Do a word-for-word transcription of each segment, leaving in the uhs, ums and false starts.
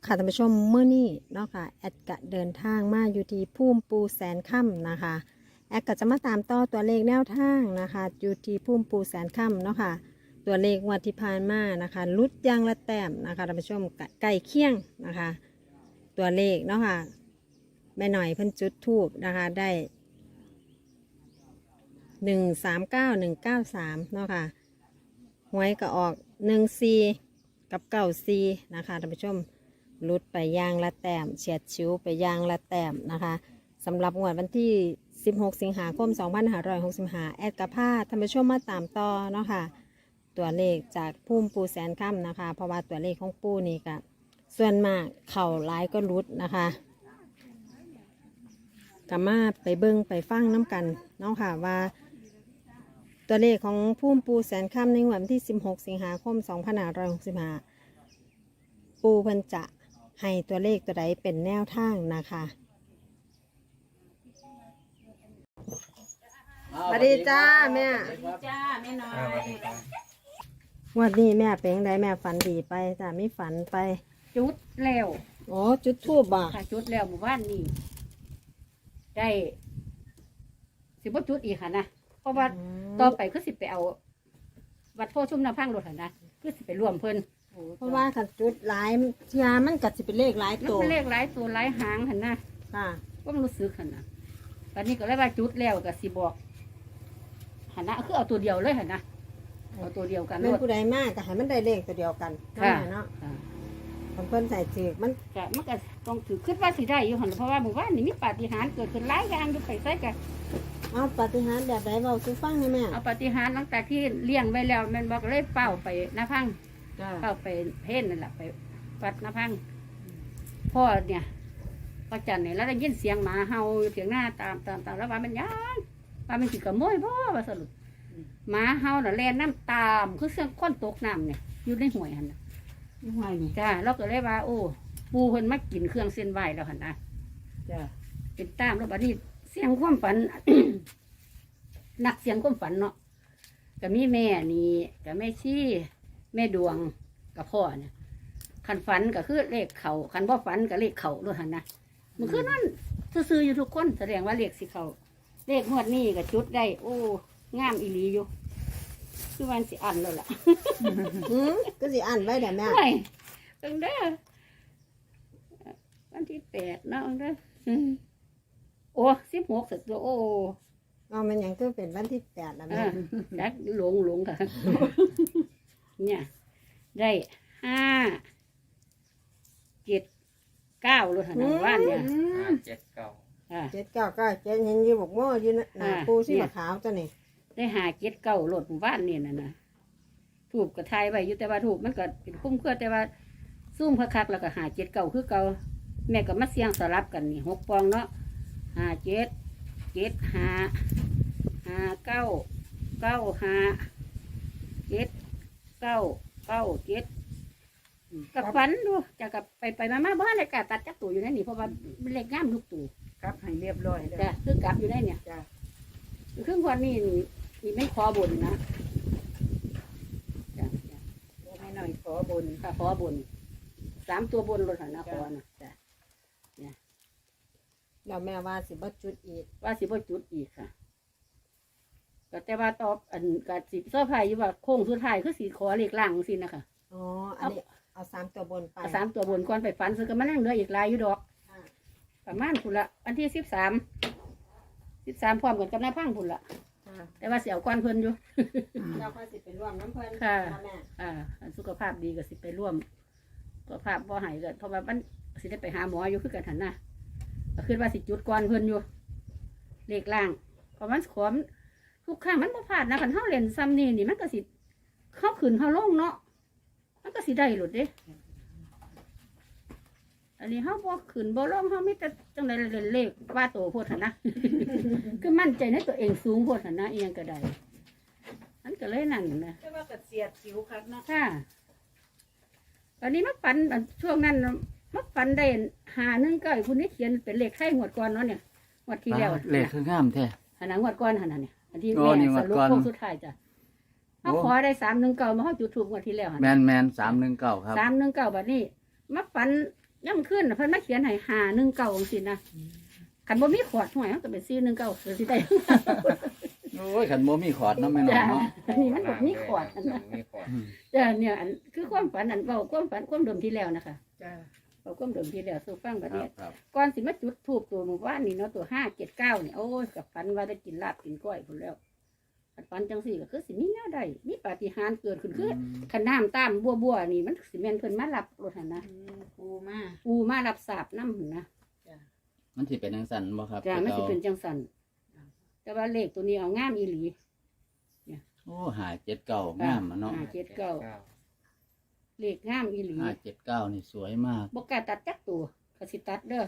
ค่ะท่านผู้ชมเมื่อนี้เนาะค่ะแอดกะเดินทางมาอยู่ที่พุ่มปูแสนค่ำนะคะแอดก็จะมาตามต่อตัวเลขแนวทางนะคะอยู่ที่พุ่มปูแสนค่ำเนาะค่ะตัวเลขงวันที่ผ่านมานะคะลุดยางละแต้มนะคะท่านผู้ชมใกล้เคียงนะคะตัวเลขเนาะค่ะแม่หน่อยเพิ่นจุดทูบนะคะได้หนึ่งสามเก้าหนึ่งเก้าสามเนาะค่ะหวยก็ออกหนึ่งซีกับเก้าซีนะคะท่านผู้ชมลุดไปยางละแต้มเฉียดชิวไปยางละแต้มนะคะสำหรับงวดวันที่สิบหกสิงหาคมสองพันห้าร้อยหกสิบห้าแอดกระพาท่านผู้ชมมาตามต่อเนาะค่ะตัวเลขจากพุ่มปูแสนค่ำนะคะเพราะว่าตัวเลขของปูนี่ก็ส่วนมากเข่าหลายก็รุดนะคะกามาไปเบิ้งไปฟังน้ำกันเนาะค่ะว่าตัวเลขของพุ่มปูแสนค่ำในวันที่สิบหกสิงหาคมสองพันห้าร้อยหกสิบห้าปูเพิ่นจะให้ตัวเลขตัวใดเป็นแนวทางนะคะสวัสดีจ้าแม่สวัสดีจ้าแม่น้อยวันนี้แม่เป็นไงแม่ฝันดีไปจ้าไม่ฝันไปจุดแล้วอ๋อจุดทูบบ่ค่ะจุดแล้วหมู่บ้านนี่ได้สิบ่จุดอีกค่ะนะเพราะว่าต่อไปคือสิไปเอา วัดโพชุ่มน้ำพังรถค่ะนะคือสิไปร่วมเพิ่นเพราะว่าขันจุดหลายเทียมันกัดสิเป็นเลขหลายมันตัวเป็นเลขหลายตัวหลายหางค่ะนะค่ะก็มันรู้สึกค่ะนะตอนนี้ก็เลยว่าจุดแล้วก็สิบอกหันนะคือเอาตัวเดียวเลยค่ะนะเอาตัวเดียวกันแม่นผู้ใดมากก็ให้มันได้เลขตัวเดียวกันค่ะเนาะค่ะคนเพิ่นใส่จืกมันก็มันก็ต้องถือขึ้นว่าสิได้อยู่หันเพราะว่าหมู่บ้านนี่มีปาฏิหาริย์เกิดขึ้นหลายอย่างอยู่ไปใส่กันเอาปาฏิหาริย์แบบใดเบาซื้อฟังให้แม่เอาปาฏิหาริย์หลังจากที่เลี้ยงไว้แล้วแม่นบอกเลยเป้าไปหน้าพังจ้าเป้าไปเพ่นนั่นแหละไปวัดหน้าพังพ่อเนี่ยพ่อจันเนี่ยแล้วได้ยินเสียงหมาเห่าอยู่เถียงหน้าตามตามตามแล้วว่ามันยังว่ามันสิกระโมยบ่ว่าสรุปหมาเห่าน่ะแล่นน้ำตามคือเสียงคนตกน้ำเนี่ยอยู่ในห้วยหันน่ะห่วยนี่จ้าเราก็เลยว่า โอ้ปูเพิ่นมากินเครื่องเส้นไหวแล้วหันนะจ้าเป็นตามแล้วบัดนี้เสียงความฝัน นักเสียงความฝันเนาะก็มีแม่นี่ก็แม่ชี้แม่ดวงกับพ่อเนี่ยคันฝันก็คือเลขเขาคันบ่ฝันก็เลขเขาด้วยหันนะมันคือนั่นซื่อๆอยู่ทุกคนแสดงว่าเลขสิเขาเลขงวดนี้ก็จุดได้ โอ้งามอีหลีอยู่คือวันสิอันแล้วล่ะอืมก็สิอ่านไว้เดี๋ยวแม่ไม่ตั้งเด้อวันที่แปดเนาะตั้งเด้ออืมโอ้สิบหกสุดตัวโอ้เอามันหยังก็เป็นวันที่แปดแล้วแม่อ่าจักหลงหลงค่ะ เนี่ยได้ห้าเจ็ดเก้าเลยค่ะนะว่านเนี่ยอืมห้าเจ็ดเก้าอ่าเจ็ดเก้าเก้าเจ็ดเห็นอยี่บอกโม่อยู่นะหน้าอ่าปูสีเนี่ยขาวตัวนี้ได้หาเจ็ดเก้าโหลดหมู่บ้านเนี่ยนะนะถูกกระทายไว้อยู่แต่ว่าถูกมันก็เป็นคุ้มเครือแต่ว่าซุ่มคักๆแล้วก็หาเจ็ดเก้าคือเก่าแม่ก็มาเสียงสลับกันนี่หกปองเนาะหาเจ็ดเจ็ดหาหาเก้าเก้าหาเจ็ดเก้าเก้าเจ็ดกับฟันดูจะกับไปไปมามาบ้านเลยกะตัดจักตัวอยู่ในนี่เพราะว่ามันเล็กงามลูกตัวกลับให้เรียบร้อยแล้วจ้ะคือกลับอยู่ในเนี่ยจ้ะครึ่งวันนี้นี่ไม่ขอบนนะจ้ะจ้ะโอ้ให้หน่อยขอบนค่ะขอบนสามตัวบนรถหันนะขอนะจ้ะแล้วแม่ว่าสิบ่จุดอีกว่าสิบ่จุดอีกค่ะก็แต่ว่าตอบอันกัดสิเสื้อผ้าอยู่ว่าโค้งสุดท้ายคือสีขอเลขล่างสินะคะอ๋ออันนี้เอาสามตัวบนไปเอาสามตัวบนก่อนไปฝันซื้อกันมานั่งเหลืออีกหลายอยู่ดอกอ่าประมาณพุ่นละวันที่สิบสามสิบสามพร้อมกันกับหน้าพังพุ่นละอ่าแต่ว่าเสียวก้อนเพิ่นอยู่เราค่อยสิไปร่วมน้ำเพิ่นค่ะแม่อ่าอันสุขภาพดีก็สิไปร่วมสุขภาพบ่หายก็เพราะว่ามันสิได้ไปหาหมออยู่คือกันหันนะก็คือว่าสิจุดก่อนเพิ่นอยู่เลขล่างเพราะมันขอมทุกครั้งมันบ่พลาดนะคันเฮาเล่นซ้ำนี่นี่มันก็สิเข้าขึ้นเข้าลงเนาะมันก็สิได้หลุดเด้อันนี้เฮาบ่ขึ้นบ่ลงเฮามีแต่จังได๋เล่นเลขว่าโตโพดหั่นนะ คือมั่นใจในตัวเองสูงโพดหั่นนะอีหยังก็ได้มันก็เลยนั่นนะแต่ว่าก็เสียดสิวคักเนาะค่ะตอนนี้มักฝันอันช่วงนั้นมักฝันได้หาหนึ่งเก้าคุณนี่เขียนเป็นเลขไข่งวดก่อนเนาะเนี่ยงวดที่แล้วเลขคืองามแท้หันหนังงวดก่อนหันน่ะเนี่ยอันที่โอ้แม่นี่งสวดรุปก่อนโค้งสุดท้ายจ้ะเขาโอ้ขอได้สามหนึ่งเก้ามาเขาจุดทูบงวดที่แล้วหันแมนแมนสามหนึ่งเก้าครับสามหนึ่งเก้าบัดนี้มักฝันย่ำขึ้นน่ะเพิ่นมาเขียนให้หาหนึ่งเก่าจังซี่นะคันบ่มีขวดห่วยมันก็เป็นสี่หนึ่งเก่าคือสิได้โอ้ยขันโมมีขอดเนาะแม่น้อจ้ะงเนาะอันนี้มันบ่มีขวดอันนั้นมีขวดอืมจ้ะเนี่ยอันคือความฝันอันเว้าความฝันความเดิมที่แล้วนะคะจ้าเว้าความเดิมที่แล้วสู่ฟังบัดครันี้บครับก่อนสิมาจุดธูปตัวหมู่บ้านนี่เนาะตัวห้าเจ็ดเก้านี่โอ้ยกับฝันว่าได้กินลาบกินก้อยพุ่นแล้วคันฝันจังซี่ก็คือสิมีแนวใดมีปาฏิหาริย์เกิดขึ้นคือคันน้ำตามบัวๆนี่มันสิแม่นเพิ่นมารับรถหั่นนะอืมปูมาปูมารับสาบนำหั่นนะมันสิเป็นจังซั่นบ่ครับจ้ะมันสิแต่เป็นจังสันแต่ว่าเลขตัวนี้เอางามอีหลีโอ้หาเจ็ดเก้างามอะเนาะห้าเจ็ดเก้าเลขงามอีหลีห้าเจ็ดเก้านี่สวยมากบกล้าตัดจักตัวก็สิตัดเด้อ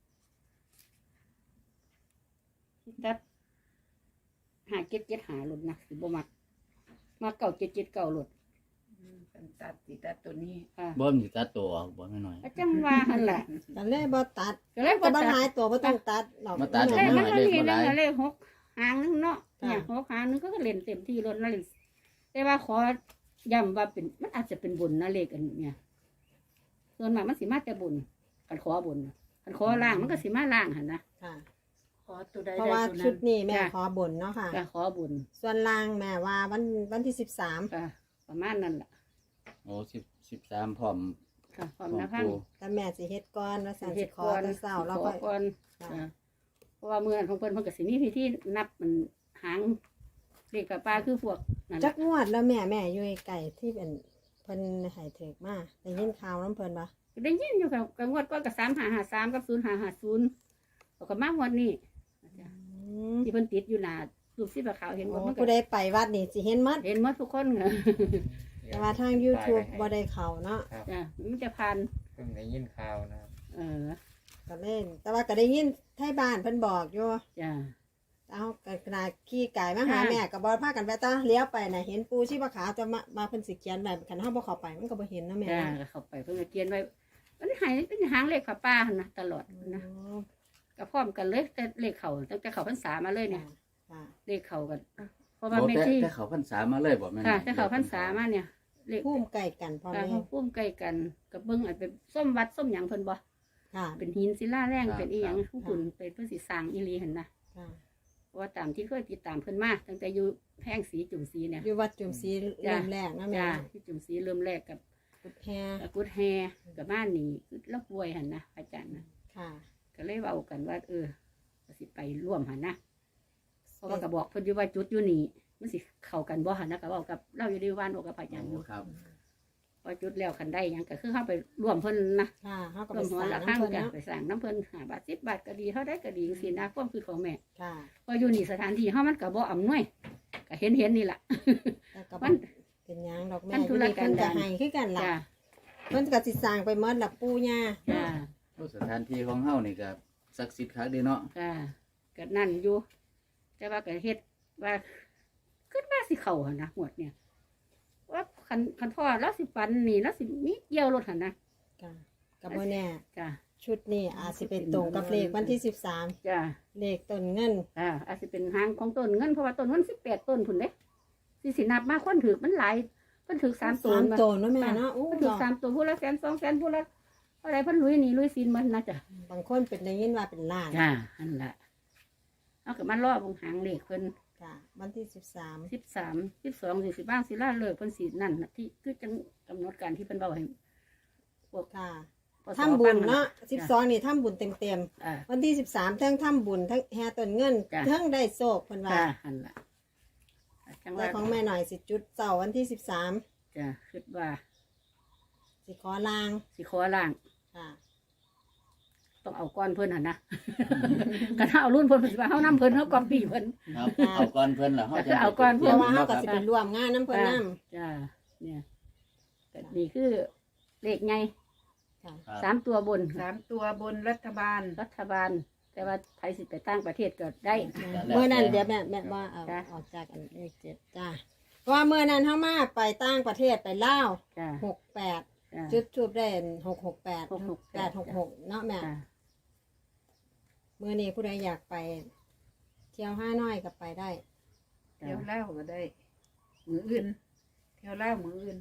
สิตัดหาเจ็ดเจ็ดหาหลุดนะสิบ่มักมาเก่าเจ็ดเจ็ดเก่าหลุดอืมเป็นตัดติตัดตัวนี้ค่ะบ่มนสิตัดตัวออกบ่แม่น้อยอาจังว่าหันแหละก็เลยบ่ตัดก็เลยก็บ่บ่ตัหาดยตัวบ่ต้องตัดหรอกมาตัดเลขมันหก็เลขมีบ่หนั่ลายนเลขหกหางนึงเนาะเนี่ยหกหางนึงก็เล่นเต็มที่รถนั่นเลยแต่ว่าขอย้ำว่าเป็นมันอาจจะเป็นบุญนะเลขอันเนี่ยส่วนมากมันสิมาแต่บุญกันขอบุญกันขอล่างมันก็สิมาล่างหันนะค่ะขอตัวใดเพราะได้ว่าตัวชุนั้ดนนี้แม่จ้ะขอบนเนาะค่ะก็ขอบุญส่วนล่างแม่ว่าวันวันที่สิบสามก็ประมาณนั้นแหละโอ้สิบสิบสามพร้อมค่ะคพร้วาอมมนะพังปูแต่แม่สิเฮ็ดก่อนว่าสันเฮ็สิดขอก่อนแต่เช้าแล้วขก็อก่อนค่ะอ่าเพราะว่าเมื่อของเพิ่นเพิ่นก็สิมีพิธีนับมันหางเลขกับปลาคือพวกนั่นจัล่ะกงวดแล้วแม่แม่อยู่ไก่ที่เป็นเพิ่นให้เถิกมาได้ยินข่าวน้ำเพิ่นปะได้ยินอยู่กับกับงวดก้อนกับสามหาหาสามกับศูนย์หาหาศูนย์แล้วก็มางวดนี้อืมที่เพิ่นติดอยู่หน้ารูปสีขาวเห็นหมโอ้ดมันก็ผู้ใดไปวัดนี่สิเห็นหมัดเห็นหมดทุกคนเหรอแต่ว่าทาง YouTube บ่ได้เข้าเนาะจ้ะมันจะพันเพิ่งได้ยินข่าวนะครับเออก็เล่น แต่ว่าก็ได้ยินไทบ้านเพิ่นบอกอยู่จ้ะเอาขนาดขี่ไก่มาหาค่ะแม่ก็บ่พากันไปตาเลี้ยวไปน่ะเห็นปูชีพขาวจะมามาเพิ่นสิเขียนไว้คันเฮาบ่เข้าไปมันก็บ่เห็นเนาะแม่จ้ะเนาะก็เข้าไปเพิ่นก็เขียนไว้มันหายเป็นหางเลขขาป้าหั่นนะตลอดนะอ๋อก็พร้อมกันเลยแต่เลขเขาตั้งแต่เขาพรรษามาเลยเนี่ยค่ะเลขเขากันเพราะว่าโอ้แม่แต่ที่แต่เขาพรรษามาเลยบ่แม่น้ค่ะอยแต่เขาพรรษามาเนี่ย เลขภูมิใกล้กันพ่อค่ะแม่เขาพุ่มใกล้กันกับเบิ้งอาจเป็นส้มวัดส้มหยังเพิ่นบ่ค่ะเป็นหินศิลาแรงเป็นอีหยังทุกคนเป็นเพิ่นสิสร้างอีหลีหั่นนะค่ะเพราะว่าตามที่เคยติดตามเพิ่นมาตั้งแต่อยู่แพร่งสีจุ่มสีเนี่ยอยู่วัดจุมศรีเริ่มแรกนะแม่จ้าที่จุ่มสีเริ่มแรกกับกุดแฮกุดแฮกับบ้านนี่คือแล้วป่วยหั่นนะอาจารย์นะค่ะก็เลยเว้ากันว่า เออก็สิไปร่วมหั่นนะเพราะว่าก็บอกเพิ่นอยู่ว่าจุดอยู่นี่มันสิเข้ากันบ่หั่นนะก็เว้ากับเราอยู่ในวันบอกกับอาจารย์อโอ้ยู่ครับพอจุดแล้วคันได้หยังก็คือเข้าไปร่วมเพิ่นนะค่ะเฮาก็ร่ไปวมหัวสร้างละข้างน้ำเพิ่นกันเนาะไปสั่งน้ำเพิ่นหาบาทสิบบาทก็ดีเท่าได้ก็ดีสินะความคือของแม่ค่ะพออยู่นี่สถานที่เฮามันก็บ่อำนวยก็เห็นเห็นๆนี่ล่ะแต่ก็มับ่นเป็นหยังดอกแม่มันอธุยู่รนี่กัเพิ่นนดาก็รให้คือกันล่ะจ้าเพิ่นก็สิสร้างไปหมดล่ะปู่ย่าจ้าโอ้สถานที่ของเฮานี่ก็ศักดิ์สิทธิ์คักเด้เนาะจ้าก็นั่นอยู่ แต่ว่าก็เฮ็ดว่าคิดว่าสิเข้าหั่นนะหมดเนี่ย ว่าคันคันพ่อแล้วสิปันนี่แล้วสิมีเกี่ยวรถหั่นนะค่ะก็บ่แน่จ้าชุดนี้อาจสิเป็นตรงกับเลขวันที่สิบสามจ้าเลขต้นเงินจ้าอาจสิเป็นหางของต้นเงินเพราะว่าต้นเงินสิบแปดต้นพุ่นเด้สิสินับมาคนถือมันหลายเพิ่นถือสามต้สาน มมาโตนเนาะแม่เนาะอู้เพิ่นถือสามตัวผู้ละแสนสองแสนผู้ละอะไรเพิ่นลุยหนี่ลุยซินมันนะจ้ะบางคนเป็นได้ยินว่าเป็นล้านจ้าอันละเอากับมันรอบวงหางเลขเพิ่นค่ะวันที่สิบสามสิบสามสิบสองสี่สิบบ้างสิล่าเลิกเพิ่นสีนั่นน่ะที่คือจังกำหนดการที่เพิ่นเบาให้พวกค่ะปสทำบุญฟังเนาะสิบสองนี่ทำบุญเต็มเต็มอ่าๆวันที่สิบสามทั้งทำบุญทั้งแห่ต้นเงินจ้ะทั้งได้โศกเพิ่นว่าจ้าอันละจังแต่ว่าของแม่หน่อยสิจุดเสาร์วันที่สิบสามจ้าคิดว่าสิขอลางสิขอล่างค่ะต้องเอาก้อนเพิ่นหั่นนะ กันเอารุ่นเพิ่นเพิ่นสิว่าเฮานำเพิ่นเฮาก๊อปปี้เพิ่นครับเอาก่อนเพิ่นล่ะเฮาจะเอาก่อนเพเพิ่นราะว่าเฮาก็ครับสิไปร่วมงานน้ำเพิ่นน้จ้าเนี่ยก็นี่คือเลขไงำค่ะครับสามตัวบนสามตัวบนรัฐบาลรัฐบาล แต่ว่าไทยสิไปตั้งประเทศก็ได้เมื่อนั้นเดี๋ยวแม่แม่ว่าเอาจ้ะออกจากอันเลขเจ็ดจ้าเพราะว่าเมื่อนั้นเฮามาไปต่างประเทศไปลาวจ้าหกแปดจ้าจุดทูบได้หกหกแปดหกหกแปดหกหกเนาะแม่จ้าเมื่อนี้ผู้ใดอยากไป เที่ยวห้าน้อยก็ไปได้เที่ยวเล่าก็ได้ มืออื่น เที่ยวเล่ามืออื่น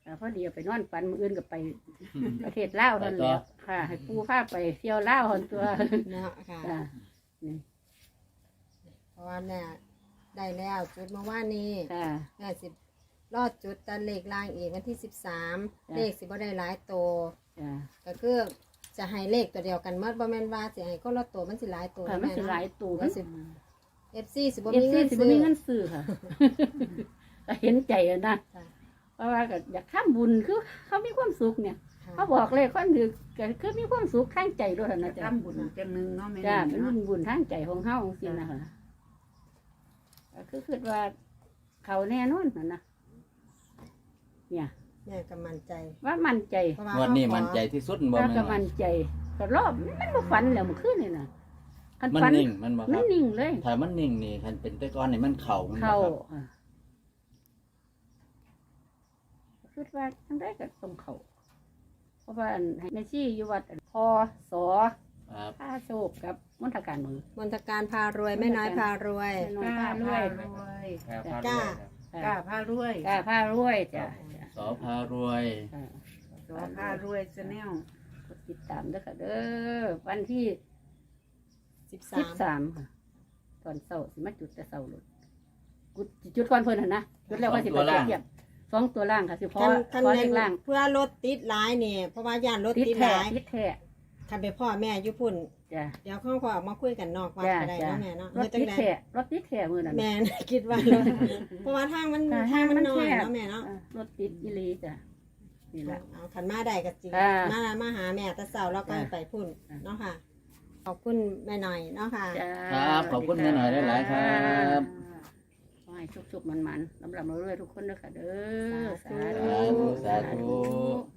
อ่าพอดีเอาไปนอนฝันมื้ออื่นก็ไปประเทศลาวนั่นแหละค่ะ ให้ปู่พาไปเที่ยวลาวหั่นตัวเนาะค่ะจ้ะนี่เพราะว่าแม่ได้แล้วจุดเมื่อวานนี้จ้ะแม่สิรอดจุดตันเลขล่างอีกวันที่สิบสามจ้ะเลขสิบ่ได้หลายโตวจ้ะก็คือจะให้เลขตัวเดียวกันเมื่อบ่แม่นว่าสิให้คนละตัวมันสิหลายตัวค่ะมันสิหลายตู่มันสิ เอฟซีสิบ่เอฟมีซีเงินสิซื้บ่อมีเงินซื้อค่ะ ก็เห็นใจอะนะค่ะเพราะว่าก็อยากทำบุญคือเขามีความสุขเนี่ยค่ะเขาบอกเลยคนถือก็คือมีความสุขทางใจด้วยนะจ๊ะทำบุญจังหนึ่งเนาะแม่จ้านี่เป็นบุเนาะญบุญทางใจของเฮาจริงๆนะคะก็คือคิดว่า เขาแน่นอนนะนะเนี่ยแม่ก็มั่นใจว่ามั่นใจเพราะว่างวดนี้เขาขอมันใจที่สุดบ่ว่าแม่ก็นมั่นใจก็รอบมันบ่ฝันแล้วเมื่อคืนนี่นะคันมันฝันนิ่งมันบ่คมัรันบนิ่งเลยถ้ามันนิ่งนี่คันเป็นแต่ก่อนนี่มันเข่ามันบ่เข้าครับค่ะคิดว่าทั้งได้ก็ต้องเข้าเพราะว่าอันให้แม่ชีอยู่วัดอันพอสอครับผ้าโชคกับมณฑการมือมนตการพารวยแม่น้อยพารวยแม่น้อยกล้าผ้ารพาวยรวยครับพาจ้าด้วยครับกล้าพารวยกล้าผ้ารวยจ้ะจ้ะสอพารวยอ่าสอพารวยชาแนลกดติดตามด้วยค่ะเด้อวันที่สิบสิบสามสามค่ะตอนเสาร์สิมาจุดแต่เสาร์เลยกุดจุดก่อนเพิ่นหั่นนะจุดแล้วว่าสิไปเทียบสองตัวล่างค่ะสิพอคันคันพอแม่เลขล่างเพื่อรถติดหลายเนี่ยเพราะว่าย่านรถติดติดหแท้ลายติดแท้คันไปพ่อแม่อยู่พุ่นจ้ะเดี๋ยวข้องขอออกมาคุยกันนอกวัดจ้ะก็ได้จ้ะเนาะแม่เนาะรถเฮ็ดจัติงดไดแท้รถติดแท้มือนั่นแม่ คิดว่ารถเพราะว่าทางมันค่ะทางมันทางมันน้อยแคบเนาะแม่เนาะอ่ารถติดอีหลีจ้ะนี่แหละเอาขันมาได้ก็จริงอ่ามามาหาแม่แตะเสาแล้วก็จ้ะไปพุ่นจ้ะเนาะค่ะ ขอบคุณแม่หน่อยเนาะค่ะจ้าครับขอบคุณแม่หน่อยหลายๆครับขอให้ชุกๆมันๆลำลำเรื่อยๆทุกคนนะคะเด้อสาธุสาธุสาธุ